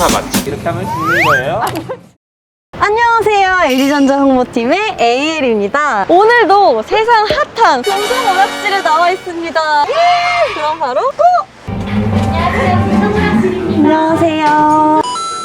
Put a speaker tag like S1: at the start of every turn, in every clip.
S1: 인스타 맛집. 이렇게 하면 죽는 거예요.
S2: 안녕하세요. LG전자 홍보팀의 AL입니다. 오늘도 세상 핫한 금성 오락실에 나와 있습니다. 그럼 바로 고!
S3: 안녕하세요. 금성 오락실입니다.
S2: 안녕하세요.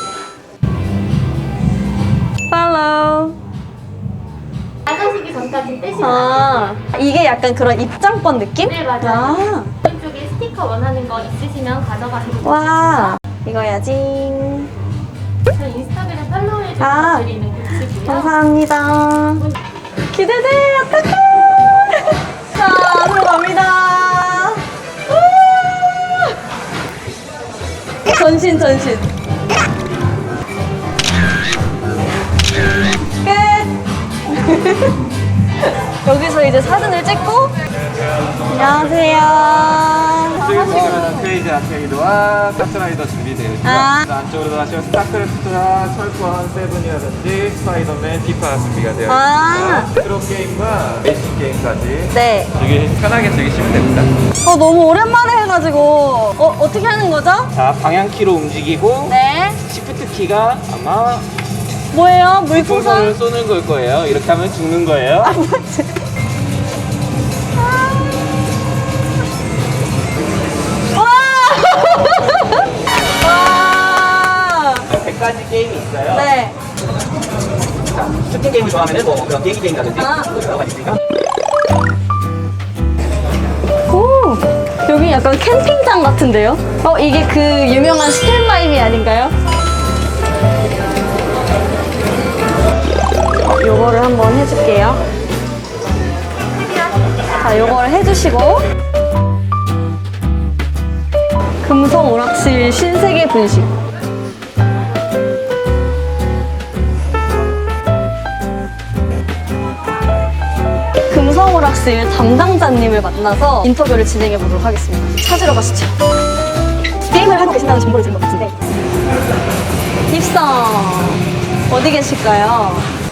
S2: 팔로우.
S3: 나가시기 전까지 떼시면
S2: 이게 약간 그런 입장권 느낌?
S3: 네, 맞아요. 왼쪽에 스티커 원하는 거 있으시면 가져가시면
S2: 와, 이거야지.
S3: 저희 인스타그램 팔로우해 주셔서 드리는 굿즈고요.
S2: 감사합니다. 기대돼, 어떡해! 자, 들어갑니다. 전신. 끝! 여기서 이제 사진을 찍고 안녕하세요.
S1: 지금 크레이지 아케이드와 카트라이더 준비되어 있고요. 안쪽으로 가시면 스타크래프트나 철권 세븐이라든지 스파이더맨, 디파 준비가 되어 있습니다. 트롯 게임과 레이싱 게임까지
S2: 네.
S1: 편하게 즐기시면 됩니다.
S2: 너무 오랜만에 해가지고 어떻게 하는 거죠?
S1: 자, 방향키로 움직이고
S2: 네.
S1: 시프트 키가 아마
S2: 뭐예요?
S1: 풍선을
S2: 물풍선?
S1: 쏘는 걸 거예요. 이렇게 하면 죽는 거예요.
S2: 뭐지? 와!
S1: 100가지 게임이 있어요.
S2: 네.
S1: 자, 슈팅 게임을 좋아하면 뭐 그런 비행기 게임이라든지 여러 가지 있으니까.
S2: 오, 여기 약간 캠핑장 같은데요? 이게 그 유명한 스탠바이미 아닌가요? 요거를 한번 해줄게요. 자, 요거를 해주시고 금성 오락실 신세계 분식. 금성 오락실 담당자님을 만나서 인터뷰를 진행해 보도록 하겠습니다. 찾으러 가시죠. 게임을 하고 계신다는 정보를 들은 것 같은데. 입성 어디 계실까요?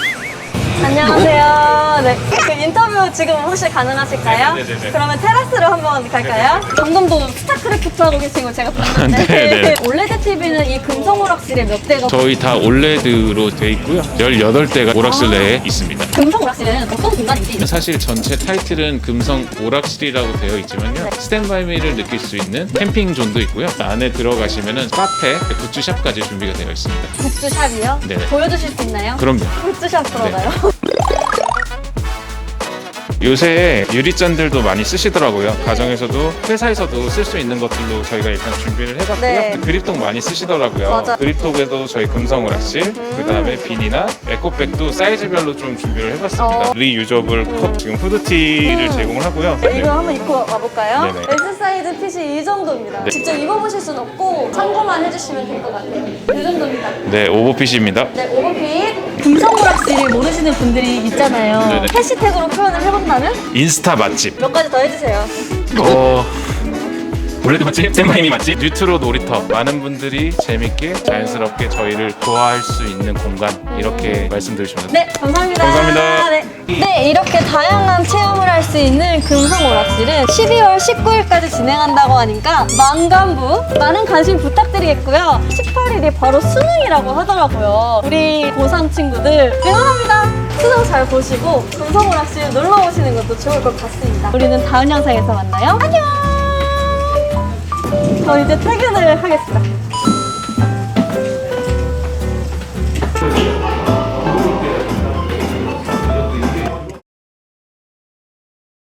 S2: 안녕하세요. 네. 그 인터뷰 지금 혹시 가능하실까요?
S4: 네네네.
S2: 그러면 테라스로 한번 갈까요? 방금도 스타크래프트 하고 계신 거 제가 봤는데
S4: 네네.
S2: 올레드 TV는 이 금성 오락실에 몇 대가
S4: 저희 다 올레드로 돼 있고요. 18대가 오락실 내에 있습니다.
S2: 금성 오락실은 어떤 공간인지
S4: 사실 전체 타이틀은 금성 오락실이라고 되어 있지만요. 스탠바이미를 느낄 수 있는 캠핑 존도 있고요. 안에 들어가시면은 카페, 굿즈샵까지 준비가 되어 있습니다.
S2: 굿즈샵이요?
S4: 네.
S2: 보여주실 수 있나요?
S4: 그럼요.
S2: 굿즈샵 들어가요?
S4: 요새 유리잔들도 많이 쓰시더라고요. 가정에서도 회사에서도 쓸 수 있는 것들로 저희가 일단 준비를 해봤고요.
S2: 네.
S4: 그립톡 많이 쓰시더라고요.
S2: 맞아.
S4: 그립톡에도 저희 금성 오락실, 그다음에 비니나 에코백도 사이즈별로 좀 준비를 해봤습니다. 리유저블 컵 지금 후드티를 제공을 하고요.
S2: 네, 이거 한번 입고 와볼까요?
S4: 네네.
S2: S 사이즈 핏이 이 정도입니다.
S4: 네.
S2: 직접 입어보실 순 없고 참고만 해주시면 될 것 같아요. 이 정도입니다.
S4: 네, 오버핏입니다.
S2: 네, 오버핏. 금성 오락실을 모르시는 분들이 있잖아요.
S4: 네네.
S2: 해시태그로 표현을 해본다면
S4: 인스타 맛집.
S2: 몇 가지 더 해주세요.
S4: 올레드 맛집, 샌마이미 맛집, 뉴트로 놀이터. 많은 분들이 재밌게 자연스럽게 저희를 좋아할 수 있는 공간 이렇게 말씀드리시면 됩니다.
S2: 네, 감사합니다.
S4: 감사합니다.
S2: 네, 이렇게 다양한 체험을 할 수 있는 금성 오락실은 12월 19일까지 진행한다고 하니까 만관부 많은 관심 부탁드리겠고요. 18일이 바로 수능이라고 하더라고요. 우리 고3 친구들 응원합니다. 수능 잘 보시고 금성 오락실 놀러 오시는 것도 좋을 것 같습니다. 우리는 다음 영상에서 만나요. 안녕. 저 이제 퇴근을 하겠습니다.